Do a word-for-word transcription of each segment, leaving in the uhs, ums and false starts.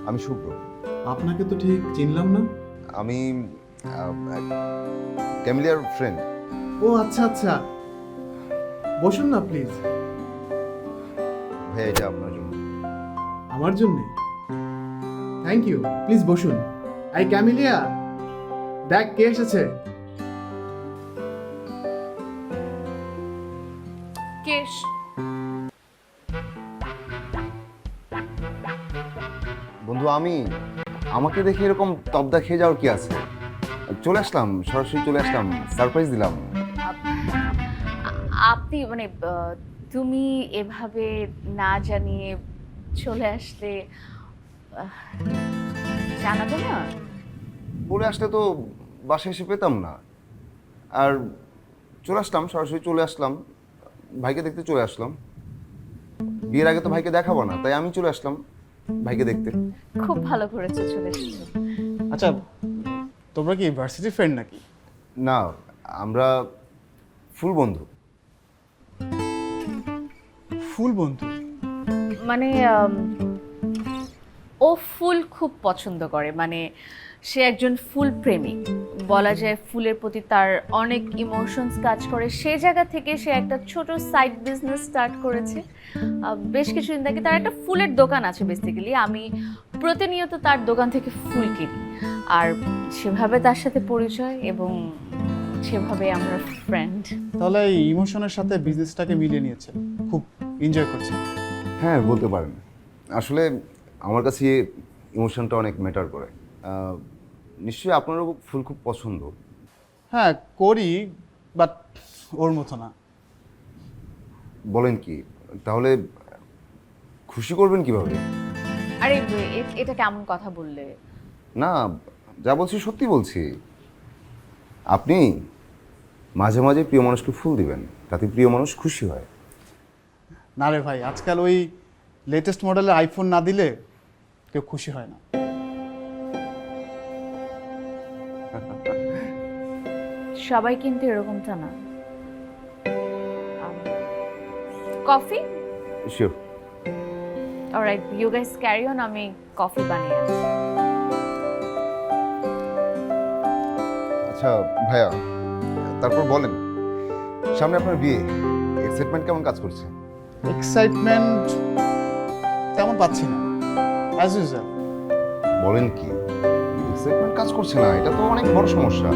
আমি শুভ্র। আপনাকে তো ঠিক চিনলাম না। আমি ক্যামিলিয়ার ফ্রেন্ড। ও আচ্ছা আচ্ছা, বসুন না প্লিজ। ভাইয়া এটা আপনার জন্য। আমার জন্যে? থ্যাংক ইউ, প্লিজ বসুন। এই ক্যামিলিয়া, দেখ কে এসেছে। কেশ, বন্ধু আমি আমাকে দেখে এরকম তবদা খেয়ে যাওয়ার কি আছে? চলে আসলাম, সরাসরি চলে আসলাম, সারপ্রাইজ দিলাম। আপনি মানে আহ, তুমি এভাবে না জানিয়ে চলে আসলে আহ, জানাবে না? বলে আসলে তো বাসায় এসে পেতাম না। আর চলে আসলাম, সরাসরি চলে আসলাম, ভাইকে দেখতে চলে আসলাম। বিয়ের আগে তো ভাইকে দেখাবো না, তাই আমি চলে আসলাম ভাইকে দেখতে। খুব ভালো করেছো চলে এসেছো। আচ্ছা, তোমরা কি ইউনিভার্সিটি ফ্রেন্ড নাকি? না, আমরা ফুল বন্ধু। ফুল বন্ধু? মানে আম, ও ফুল খুব পছন্দ করে, মানে সে একজন ফুল প্রেমিক বলা যায়। ফুলের প্রতি তার অনেক ইমোশনস কাজ করে, সেই জায়গা থেকে সে একটা ছোট সাইড বিজনেস স্টার্ট করেছে। আহ, বেশ কিছুদিন থেকে তার একটা ফুলের দোকান আছে বেসিক্যালি। আমি প্রতিনিয়ত তার দোকান থেকে ফুল কিনি, আর সেভাবে তার সাথে পরিচয় এবং সেভাবে আমরা ফ্রেন্ড। তাহলে এই ইমোশনের সাথে বিজনেসটাকে মিলিয়ে নিয়েছে, খুব এনজয় করছে। হ্যাঁ বলতে পারেন। আসলে আমার কাছে ইমোশনটা অনেক ম্যাটার করে। আহ, নিশ্চয়ই আপনারও ফুল খুব পছন্দ। হ্যাঁ করি, বাট ওর মতো না। বলেন কি? তাহলে খুশি করবেন কিভাবে? আরে এ- এটা কেমন কথা বললে? না, যা বলছি সত্যি বলছি। আপনি মাঝে মাঝে প্রিয় মানুষকে ফুল দিবেন, তাতে প্রিয় মানুষ খুশি হয়। না রে ভাই, আজকাল ওই লেটেস্ট মডেলের আইফোন না দিলে কেউ খুশি হয় না। সবাই কিন্তু এরকমটা না। Coffee? Sure. Alright, you guys carry on, আমি কফি বানিয়ে আনছি। আচ্ছা ভাইয়া, তারপর বলেন, সামনে আপনার বিয়ে, এক্সাইটমেন্ট কেমন কাজ করছে? এক্সাইটমেন্ট তেমন পাচ্ছি না, অ্যাজ ইউজুয়াল। বলেন কি, এক্সাইটমেন্ট কাজ করছে না? এটা তো অনেক বড় সমস্যা।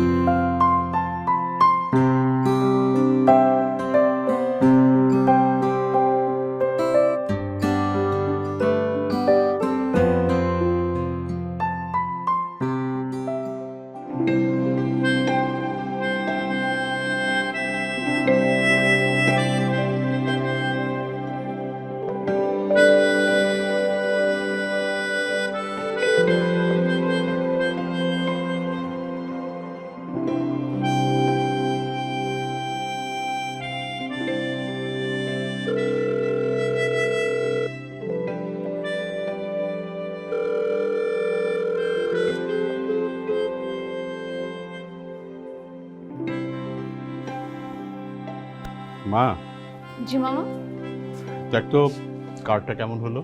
মা, জি মামা। দেখ তো কার্ডটা কেমন হলো।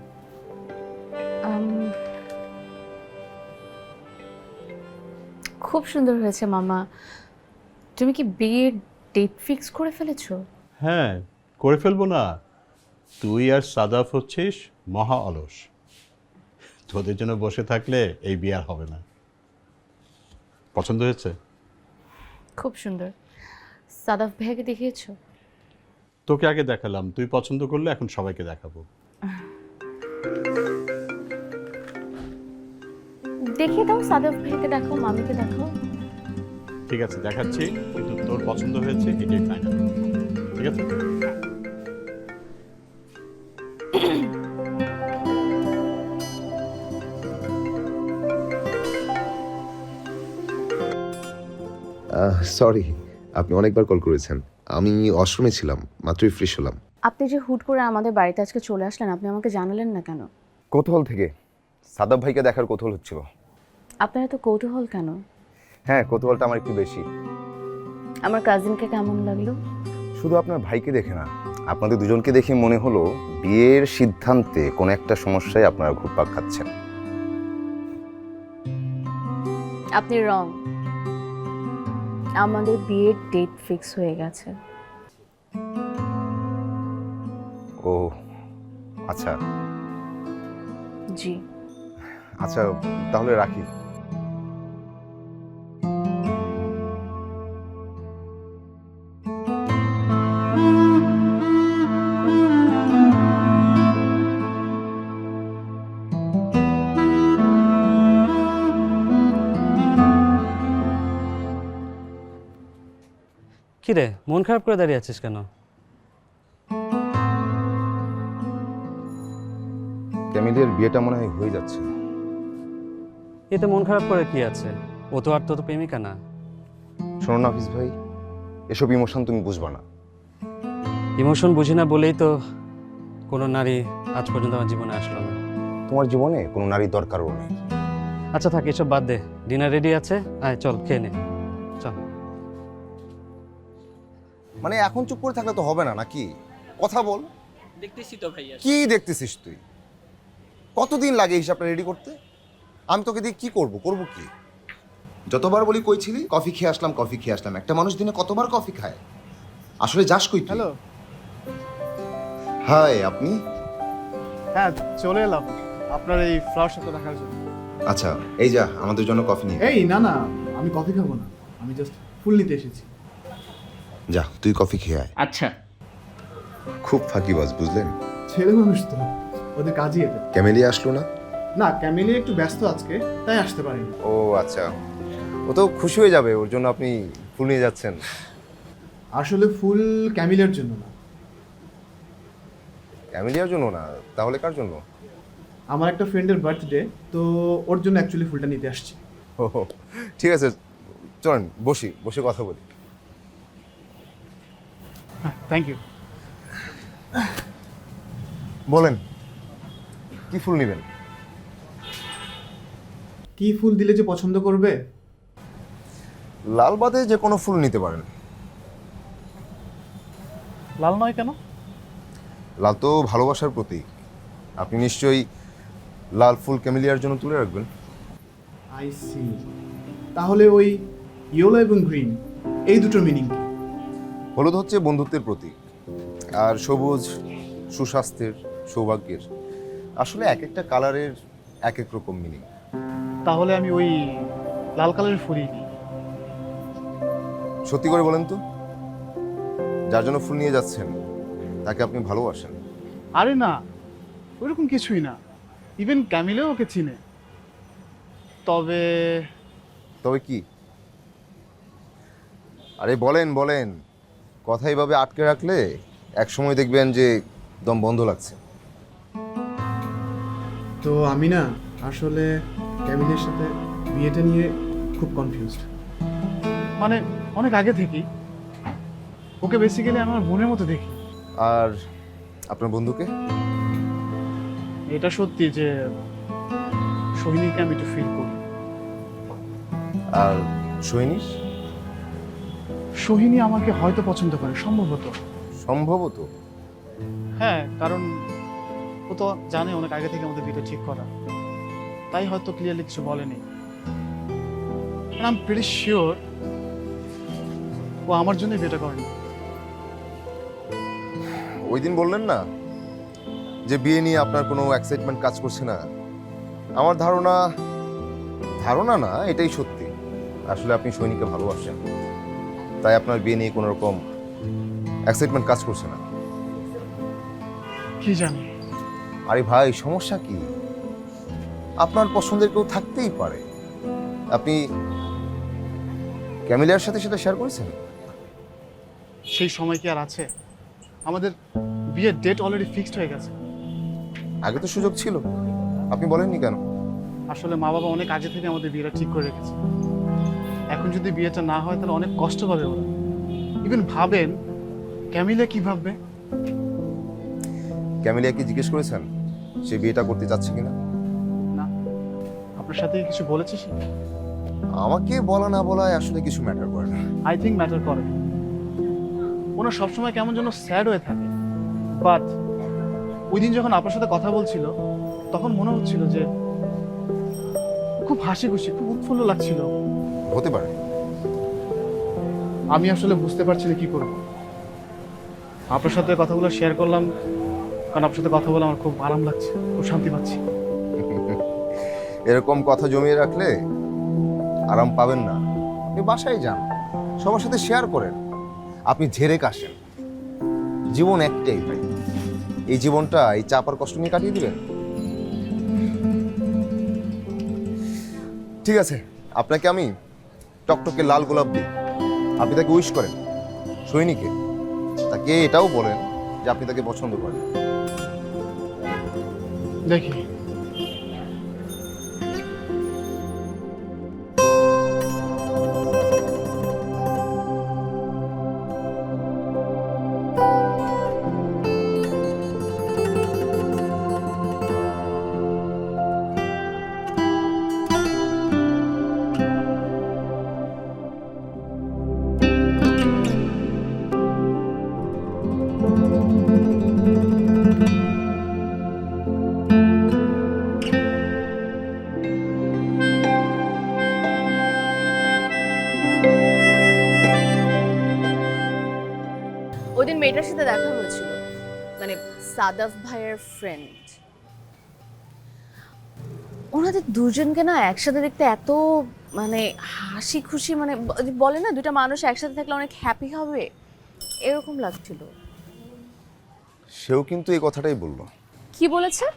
আম, খুব সুন্দর হয়েছে মামা। তুমি কি বিয়ের ডেট ফিক্স করে ফেলেছো? হ্যাঁ, করে ফেলবো না। তুই আর সাদাফ হচ্ছিস মহা অলস। তোদের জন্য বসে থাকলে এই বিয়ে আর হবে না। পছন্দ হয়েছে? খুব সুন্দর। সাদাফ ভাইয়াকে দেখিয়েছো? তোকে আগে দেখালাম, তুই পছন্দ করলে এখন সবাইকে দেখাবো। দেখিয়ে দাও, সাদাফ ভাইয়াকে দেখো, মামিকে দেখো। ঠিক আছে দেখাচ্ছি, কিন্তু তোর পছন্দ হয়েছে এটাই ফাইনাল। ঠিক আছে? সরি, আপনি অনেকবার কল করেছেন। আমি ওয়াশরুমে ছিলাম, মাত্রই ফ্রেশ হলাম। আপনি যে হুট করে আমাদের বাড়িতে আজকে চলে আসলেন, আপনি আমাকে জানালেন না কেন? কৌতূহল থেকে, সাদাব ভাইকে দেখার কৌতূহল হচ্ছিল। আপনার এত কৌতূহল কেন? হ্যাঁ, কৌতূহলটা আমার একটু বেশি। আমার কাজিনকে কেমন লাগলো? শুধু আপনার ভাইকে দেখে না, আপনাদের দুজনকে দেখে মনে হলো বিয়ের সিদ্ধান্তে কোনো একটা সমস্যায় আপনারা ঘুরপাক খাচ্ছেন। আপনি রং, আমাদের বিয়ের ডেট ফিক্স হয়ে গেছে। ও আচ্ছা জি। আচ্ছা তাহলে রাখি। কিরে, মন খারাপ করে দাঁড়িয়ে আছিস কেন? ক্যামিলিয়ার বিয়েটা মনে হয় হয়ে যাচ্ছে। এতে মন খারাপ করে কি আছে? ও তো আর তো প্রেমিকা না। শোনো না হাফিজ ভাই, এসব ইমোশন তুমি বুঝবা না। ইমোশন বুঝি না বলেই তো কোনো নারী আজ পর্যন্ত আমার জীবনে আসলো না। তোমার জীবনে কোনো নারী দরকারও নেই। আচ্ছা থাক, এসব বাদ দে। ডিনার রেডি আছে, আয় চল খেয়ে নে। চল। মানে এখন চুপ করে থাকলে তো হবে না নাকি? কথা বল। দেখতেছি তো ভাইয়া। কি দেখতেছিস তুই? কতদিন লাগে হিসাবটা রেডি করতে? আমি তোকে দিয়ে কি করব করব কি? যতবার বলি কই ছিলি, কফি খেয়ে আসলাম কফি খেয়ে আসলাম। একটা মানুষ দিনে কতবার কফি খায়? আসলে যাস কই তুই? হ্যালো। হাই, আপনি? হ্যাঁ, চলে এলাম আপনার এই ফ্লাওয়ার শপটা দেখার জন্য। আচ্ছা এই যা আমাদের জন্য কফি নিয়ে। এই না না, আমি কফি খাবো না, আমি জাস্ট ফুল নিতে এসেছি। যা তুই কফি খেয়ে আয়। আচ্ছা, খুব ফাঁকিবাজ বুঝলেন? ছেলে মানুষ তো, ওদের কাজই এটা। ক্যামেলিয়া আসলো না? না, ক্যামেলিয়া একটু ব্যস্ত আজকে, তাই আসতে পারিনি। ও আচ্ছা, ও তো খুশি হয়ে যাবে, ওর জন্য আপনি ফুল নিয়ে যাচ্ছেন। আসলে ফুল ক্যামেলিয়ার জন্য না, ক্যামেলিয়ার জন্য না, তাহলে কার জন্য? আমার একটা ফ্রেন্ডের বার্থডে, তো ওর জন্য অ্যাকচুয়ালি ফুলটা নিতে আসছি। ও ঠিক আছে, চলেন বসি, বসে কথা বলি। হ্যাঁ, থ্যাংক ইউ। বলেন কি ফুল নেবেন? কি ফুল দিলে যে পছন্দ করবে? লাল বাদে যে কোনো ফুল নিতে পারেন। লাল নয় কেন? লাল তো ভালোবাসার প্রতীক। আপনি নিশ্চয়ই লাল ফুল ক্যামেলিয়ার জন্য তুলে রাখবেন। I see. তাহলে ওই ইয়েলো এবং গ্রিন, এই দুটোর মিনিং কি? হলুদ হচ্ছে বন্ধুত্বের প্রতীক, আর সবুজ সুস্বাস্থ্যের, সৌভাগ্যের। আসলে এক একটা কালারের এক এক রকম মিনিং। তাহলে আমি ওই লাল কালারের ফুলই নিই। সত্যি করে বলেন তো, যার জন্য ফুল নিয়ে যাচ্ছেন তাকে আপনি ভালোবাসেন? আরে না, ওইরকম কিছুই না। ইভেন ক্যামিলেও ওকে চিনে। তবে তবে কি? আরে বলেন বলেন, কথা এইভাবে আটকে রাখলে এক সময় দেখবেন যে দম বন্ধ লাগছে। তো আমি না আসলে ক্যামিলিয়ার সাথে বিয়েটা নিয়ে খুব কনফিউজড। মানে অনেক আগে থেকেই ওকে বেসিক্যালি আমার বোনের মতো দেখি। আর আপনার বন্ধুকে? এটা সত্যি যে সোহিনীকে আমি একটু ফিল করি। আর সৈনিস? সোহিনী আমাকে হয়তো পছন্দ করে, সম্ভবত। সম্ভবত? হ্যাঁ, কারণ ও তো জানে অনেক আগে থেকে আমাদের বিয়েটা ঠিক করা, তাই হয়তো ক্লিয়ারলি কিছু বলেনি। আই এম প্রিটি শিওর ও আমার জন্য বিয়েটা করেনি। ওই দিন বললেন না যে বিয়ে নিয়ে আপনার কোনো এক্সাইটমেন্ট কাজ করছে না? আমার ধারণা, ধারণা না, এটাই সত্যি। আসলে আপনি সৈনিককে ভালোবাসেন, তাই আপনার বিয়ে নিয়ে কোনো রকম এক্সাইটমেন্ট কাজ করছে না। কি জানি। আরে ভাই, সমস্যা কি? আপনার পছন্দের কেউ থাকতেই পারে। আপনি ক্যামিলিয়ার সাথে সেটা শেয়ার করেছেন? সেই সময় কি আর আছে? আমাদের বিয়ের ডেট অলরেডি ফিক্সড হয়ে গেছে। আগে তো সুযোগ ছিল, আপনি বলেননি কেন? আসলে মা বাবা অনেক আগে থেকে আমাদের বিয়েটা ঠিক করে রেখেছে। এখন যদি বিয়েটা না হয় তাহলে অনেক কষ্ট পাবে ওরা। ইভেন ভাবেন ক্যামিলা কি ভাববে। ক্যামিলিয়াকে জিজ্ঞেস করেছেন সে বিয়েটা করতে চাচ্ছে কিনা? না, আপনার সাথে কিছু বলেছে সে? আমাকে বলা না বলায় আসলে কিছু ম্যাটার করে না। আই থিঙ্ক ম্যাটার করে। ওনার সবসময় কেমন যেন স্যাড হয়ে থাকে, বাট ওই দিন যখন আপনার সাথে কথা বলছিল তখন মনে হচ্ছিল যে খুব হাসি খুশি, খুব উৎফুল্ল লাগছিল। হতে পারে। আমি আসলে বুঝতে পারছি না কি করব। আপনার সাথে কথাগুলো শেয়ার করলাম কারণ আপনার সাথে কথা বলে আমার খুব আরাম লাগছে, খুব শান্তি পাচ্ছি। এরকম কথা জমিয়ে রাখলে আরাম পাবেন না। আপনি বাসায় যান, সবার সাথে শেয়ার করেন, আপনি ঝেড়ে কাশেন। জীবন একটাই ভাই, এই জীবনটা এই চাপার কষ্ট নিয়ে কাটিয়ে দিবেন। ঠিক আছে, আপনাকে আমি টকটকে লাল গোলাপ দিই, আপনি তাকে উইশ করেন। সৈনিকে তাকে এটাও বলেন যে আপনি তাকে পছন্দ করেন। দেখি। ওই দিন মেয়েটার সাথে দেখা হয়েছিল, মানে সাদাফ ভাইয়ের ফ্রেন্ড। ওনাদের দুজনকে না একসাথে দেখতে এত মানে হাসি খুশি, মানে ব- বলে না দুটা মানুষ একসাথে থাকলে অনেক হ্যাপি হবে, এরকম লাগছিল। সেও কিন্তু এই কথাটাই বলল। কি বলেছে?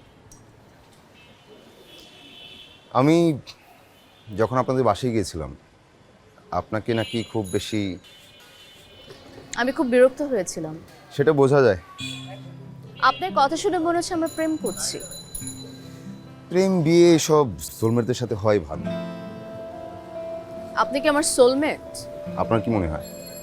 আমি যখন আপনাদের বাসায় গিয়েছিলাম, আপনাকে নাকি খুব বেশি, আমি খুব বিরক্ত হয়েছিলাম। সেটা বোঝা যায়। আপনার কথা শুনে মনে হচ্ছে আমরা প্রেম করছি। প্রেম বিয়ে সব সোলমেটদের সাথে হয় ভালো। আপনি কি আমার সোলমেট? আপনার কি মনে হয়?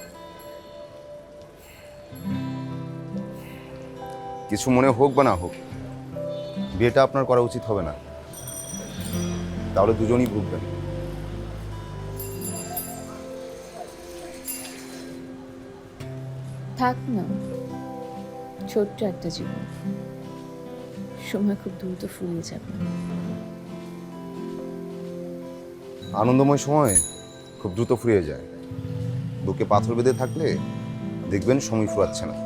কিছু মনে হোক বা না হোক, বিয়েটা আপনার করা উচিত হবে না, তাহলে দুজনই ভুগবেন। থাক না, ছোট্ট একটা জীবন, সময় খুব দ্রুত ফুরিয়ে যাবে। আনন্দময় সময় খুব দ্রুত ফুরিয়ে যায়, বুকে পাথর বেঁধে থাকলে দেখবেন সময় ফুরাচ্ছে না।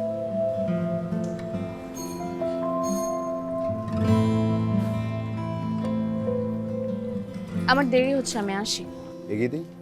আমার দেরি হচ্ছে, আমি আসি। এগিয়ে দিই।